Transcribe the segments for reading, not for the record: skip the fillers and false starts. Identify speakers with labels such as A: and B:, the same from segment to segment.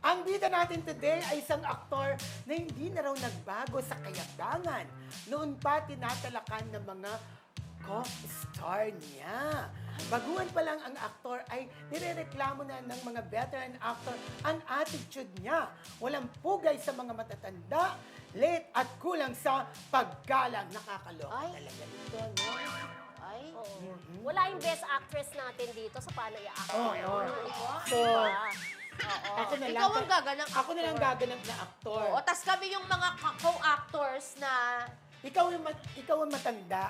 A: Ang bida natin today ay isang aktor na hindi na raw nagbago sa kayabangan. Noon pa tinatalakan ng mga co-star niya. Baguhan pa lang ang aktor ay nirereklamo na ng mga veteran actor ang attitude niya. Walang pugay sa mga matatanda, late at kulang sa paggalang. Nakakaloka
B: Ay.
A: talaga ito, no?
B: Ay.
C: Wala yung best actress natin dito sa paano i-act.
A: Oo. So,
C: Oo.
A: ako na lang.
B: Ikaw ang gaganang
A: Ako na lang gaganap na aktor.
B: Oo, tas kami yung mga co-actors na...
A: Ikaw ang matanda.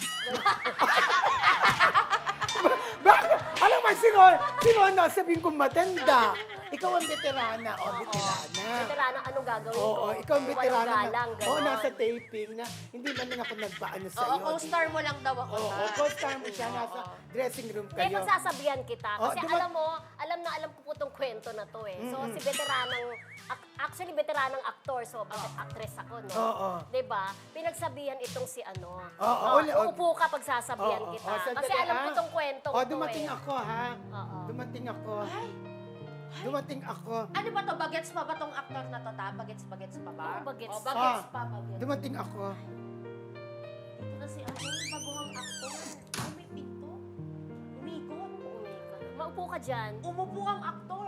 A: Bakit? Alam mo, sino ang nasabihin kong matanda? Ikaw ang veterana. O, veterana.
C: Veterana, anong gagawin ko?
A: Oo, ikaw ang veterana.
C: Walang galang,
A: Oo,
C: ganon.
A: nasa taping na hindi man lang ako nagpaano sa'yo.
B: Oo, co-star mo lang daw ako.
A: Oo, co-star mo siya. Nasa dressing room
C: Hindi,
A: kayo.
C: pagsasabihan kita.
A: Oh,
C: Kasi
A: diba-
C: alam na alam ko po itong kwento na to eh. So, si veteranang, actually veteranang actor, so actress ako, no?
A: Oo.
C: Diba? Pinagsabihan itong si ano.
A: Oo,
C: Uupo ka pagsasabihan
A: Oo,
C: kita.
A: oo, sandali,
C: Kasi alam ko
A: ah.
C: itong kwento
A: O,
C: ko
A: dumating
C: eh.
A: ako, ha?
C: Oo.
A: Dumating ako. Dumating ako.
B: Ano ba to? Bagets pa ba tong actor na to, ta? Bagets pa ba?
C: Oo, bagets.
B: Oh, bagets
A: Ah.
B: pa, bagets.
A: Dumating ako.
B: Ito na si ano, yung baguhang actor. Ay, may pinto. Umikot.
C: Maupo ka dyan.
B: Umupo ang aktor.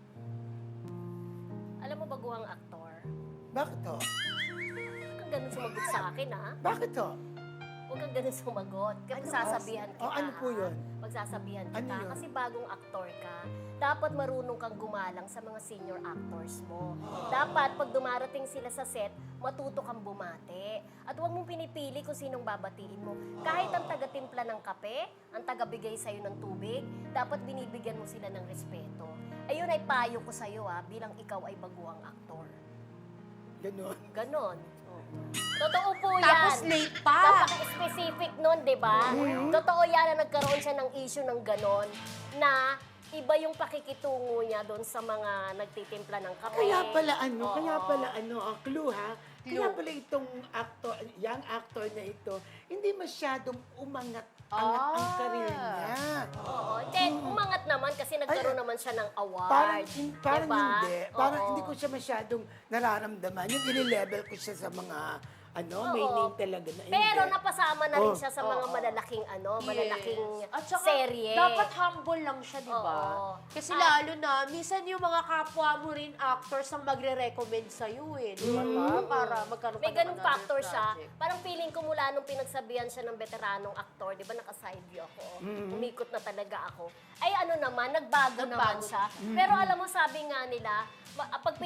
C: Alam mo, baguhang aktor.
A: Bakit to?
C: Huwag kang ganun sumagot sa akin, ha?
A: Bakit to?
C: Huwag kang ganun sumagot. Kasi
A: Ano?
C: sasabihan kita.
A: Oh, ano po
C: ha?
A: yun?
C: Pagsasabihan kita.
A: Ano yun?
C: Kasi bagong aktor ka, dapat marunong kang gumalang sa mga senior actors mo. Dapat, pag dumarating sila sa set, matuto kang bumati. At huwag mong pinipili kung sinong babatiin mo. Kahit ang taga-timpla ng kape, ang taga-bigay sa'yo ng tubig, dapat binibigyan mo sila ng respeto. Ayun ay payo ko sa'yo, ha, bilang ikaw ay baguhang aktor.
A: Ganon.
C: Ganon. Totoo po yan.
B: Tapos late pa.
C: Napaka-specific nun, di ba? Totoo yan na nagkaroon siya ng issue ng ganon na iba yung pakikitungo niya doon sa mga nagtitimpla ng kape.
A: Kaya pala
C: Oo.
A: ang clue ha? Kaya pala itong actor, young actor na ito, hindi masyadong umangat ang career niya.
C: Oo. Then, umangat naman kasi nagkaroon naman siya ng award.
A: Parang
C: diba?
A: hindi. Parang
C: Oo.
A: hindi ko siya masyadong nararamdaman. Yung ini-level ko siya sa mga, may
C: Oo.
A: name talaga na
C: Pero
A: hindi.
C: napasama na rin
A: Oh.
C: siya sa mga malalaking malalaking
B: At saka,
C: serye.
B: dapat humble lang siya, di ba?
C: Oo.
B: Kasi lalo na, minsan yung mga kapwa mo rin actors ang magre-recommend sa'yo eh. Di ba? Para magkaroon
C: May
B: ka ng
C: ganung
B: another
C: factor siya.
B: project.
C: Parang feeling ko mula nung pinagsabihan siya ng veteranong aktor, di ba naka-side view ako, umikot na talaga ako. Ay ano naman, nagbago naman siya. Pero alam mo, sabi nga nila, pag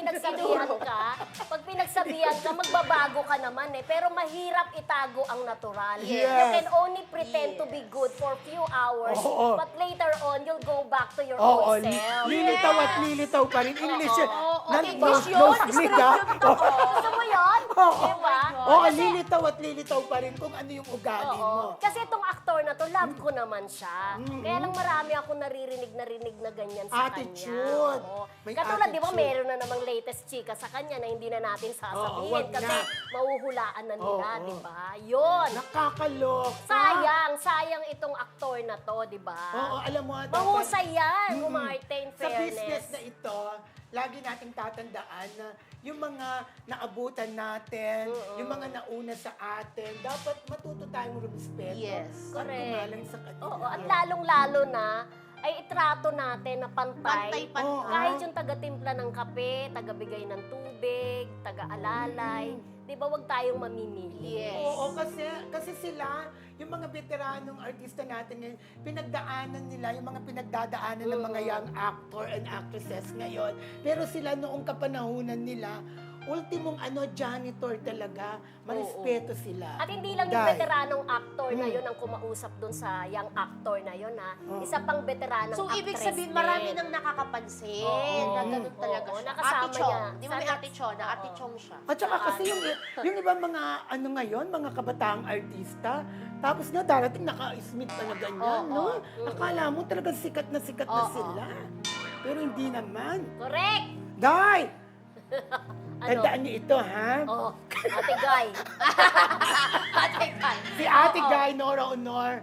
C: pinagsabihan ka, magbabago ka naman eh. Pero mahirap itago ang natural.
A: Yes.
C: You can only pretend to be good for few hours,
A: Oo.
C: but later on, you'll go back to your
A: Oo,
C: old self.
A: lilitaw at lilitaw pa rin. English yun.
B: English yun.
A: Nosebleed, ha?
C: Gusto mo yun?
A: Oo.
C: Diba?
A: Oo, lilitaw at lilitaw pa rin kung ano yung ugali mo.
C: Oo. Kasi itong aktor na to, love ko naman siya. Kaya lang marami ako naririnig na ganyan sa
A: Attitude.
C: kanya. Oo.
A: May
C: Katulad, di ba,
A: attitude.
C: meron na namang latest chika sa kanya na hindi na natin sasabihin.
A: wag
C: kasi
A: na.
C: mahuhulaan na nila,
A: Oo.
C: di ba? Yun.
A: Nakakaloka.
C: Sayang itong aktor na to, di ba?
A: Oo, alam mo,
C: Mahusay yan, umarte in
A: sa business
C: fairness.
A: na ito, lagi nating tatandaan na yung mga naabutan natin, yung mga nauna sa atin, dapat matuto tayong rumespeto.
B: Yes.
A: At
C: Correct.
A: gumalang sa kanila.
C: Oo, at lalong-lalo na, ay itrato natin na pantay.
B: Pantay-pantay.
A: Oo.
C: Kahit yung taga-timpla ng kape, taga-bigay ng tubig, taga-alalay, di ba wag tayong mamimili?
B: Yes.
A: Oo, kasi sila, yung mga veteranong artista natin ngayon, pinagdaanan nila, yung mga pinagdadaanan ng mga young actor and actresses ngayon. Pero sila noong kapanahunan nila, ultimong janitor talaga, marespeto sila.
C: At hindi lang yung
A: Dahil-
C: veteranong actor na yun ang kumausap dun sa young actor na yun, ha? Isa pang veteranong
B: So,
C: actress
B: ibig sabihin,
C: din.
B: marami nang nakakapansin
C: Oo.
B: na ganun talaga
C: Oo,
B: siya.
C: nakasama
B: Ate Chong.
C: niya.
B: Di ba may
C: Sana-
B: Ate Chong na? Ate
C: Oo.
B: Chong siya.
A: At saka kasi yung ibang mga ngayon, mga kabataang artista, tapos na darating naka-smith pa na ganyan, no? Akala mo talagang sikat na sila. Pero hindi naman.
C: Correct!
A: Day!
C: Ano?
A: Tandaan niyo ito, ha?
C: Oh, Ate Guy.
B: Ate Kai.
A: Si Ate Guy Nora Honor,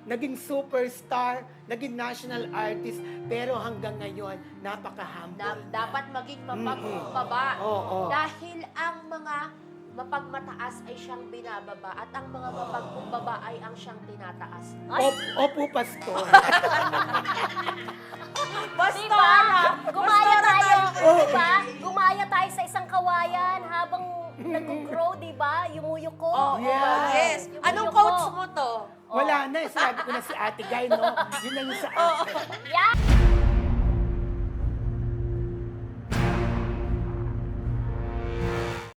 A: naging superstar, naging national artist, pero hanggang ngayon, napaka-humble.
B: Dapat maging mapagbaba.
A: Oo.
B: Dahil ang mga mapagmataas ay siyang binababa at ang mga mapagkumbaba ay ang siyang tinataas.
A: Opo, pastor.
C: Diba? Gumaya tayo, diba? Gumaya tayo sa isang kawayan habang nag-grow, diba? Yumuyuko.
B: Oh,
A: Yeah.
B: yes.
C: Yumuyuko.
B: Anong quotes mo to?
A: Wala na, sinabi ko na si Ate Guy, no? Yun na yung sa akin.
C: Yeah.